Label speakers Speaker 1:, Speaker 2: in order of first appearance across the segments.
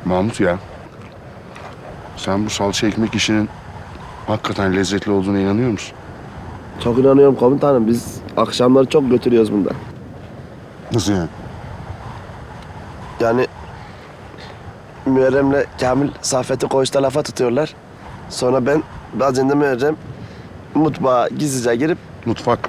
Speaker 1: Mahmut ya. Sen bu salça ekmek işinin hakikaten lezzetli olduğuna inanıyor musun?
Speaker 2: Çok inanıyorum komutanım. Biz akşamları çok götürüyoruz bunda.
Speaker 1: Nasıl yani?
Speaker 2: Yani Müerrem'le Kamil Saffet'i koğuşta lafa tutuyorlar. Sonra ben bazen de Müerrem mutfağa gizlice girip...
Speaker 1: Mutfak.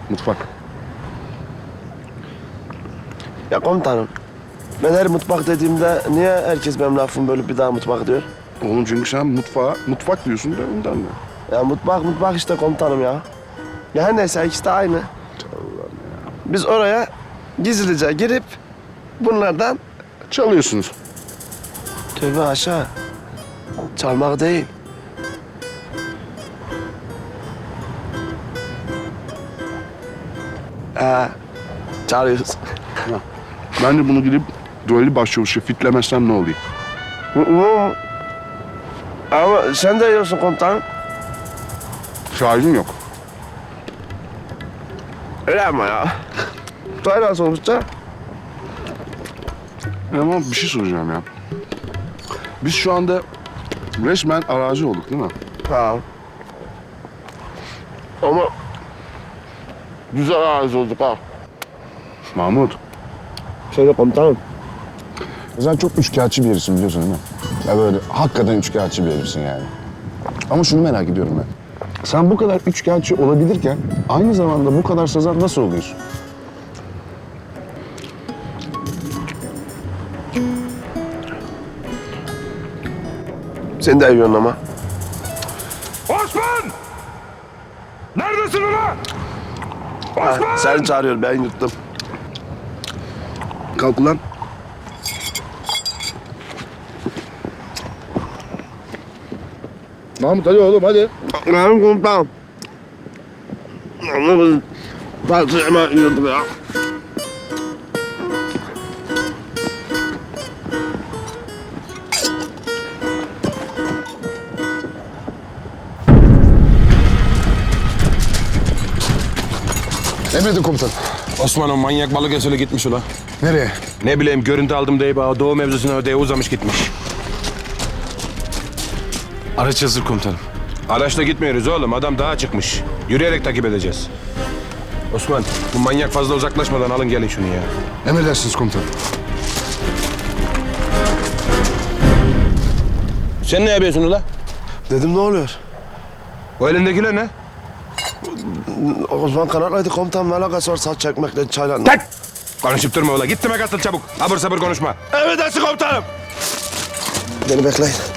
Speaker 2: Ya komutanım, ben her mutfak dediğimde niye herkes benim lafımı bölüp bir daha mutfak diyor?
Speaker 1: Oğlum çünkü sen mutfak diyorsun da ondan da.
Speaker 2: Ya mutfak işte komutanım ya. Ya her neyse ikisi de aynı. Biz oraya gizlice girip bunlardan...
Speaker 1: Çalıyorsunuz.
Speaker 2: Tövbe aşağı. Çalmak değil. Çalıyoruz.
Speaker 1: Ben de bunu gidip Duali başçavuşa fitlemezsem ne olayım?
Speaker 2: Ama sen de yiyorsun komutanım.
Speaker 1: Şahidin yok.
Speaker 2: Öyle ama ya. Böyle sonuçta.
Speaker 1: Ama bir şey soracağım ya. Biz şu anda resmen arazi olduk değil mi?
Speaker 2: Ha. Ama güzel ağız olduk ha.
Speaker 1: Mahmut.
Speaker 2: Söyle komutanım.
Speaker 3: Sen çok üçkağıtçı bir herifsin biliyorsun değil mi? Ya böyle hakikaten üçkağıtçı bir herifsin yani. Ama şunu merak ediyorum ben. Sen bu kadar üçkağıtçı olabilirken aynı zamanda bu kadar sazan nasıl oluyorsun?
Speaker 2: Sen de yiyorsun ama.
Speaker 4: Osman! Neredesin ulan?
Speaker 2: Ha, seni çağırıyor, ben yuttum.
Speaker 1: Kalk ulan.
Speaker 3: Mahmut hadi oğlum hadi.
Speaker 2: Benim komutanım. Ama biz parça hemen yiyorduk ya.
Speaker 3: Emredin komutan.
Speaker 4: Osman o manyak Balıkesir'e gitmiş ula.
Speaker 3: Nereye?
Speaker 4: Ne bileyim görüntü aldım diye bana doğu mevzusuna ödeye uzamış gitmiş.
Speaker 5: Araç hazır komutanım.
Speaker 4: Araçla gitmiyoruz oğlum adam dağa çıkmış. Yürüyerek takip edeceğiz. Osman bu manyak fazla uzaklaşmadan alın gelin şunu ya.
Speaker 3: Emredersiniz komutanım.
Speaker 4: Sen ne yapıyorsun ula?
Speaker 2: Dedim ne oluyor?
Speaker 4: O elindekiler ne?
Speaker 2: Osman kanatlaydı komutanım, alakası var saç çekmekle çayla.
Speaker 4: Tak! Konuşup durma ula. Git demek atıl çabuk. Abur sabır konuşma.
Speaker 2: Emredersin komutanım. Beni bekleyin.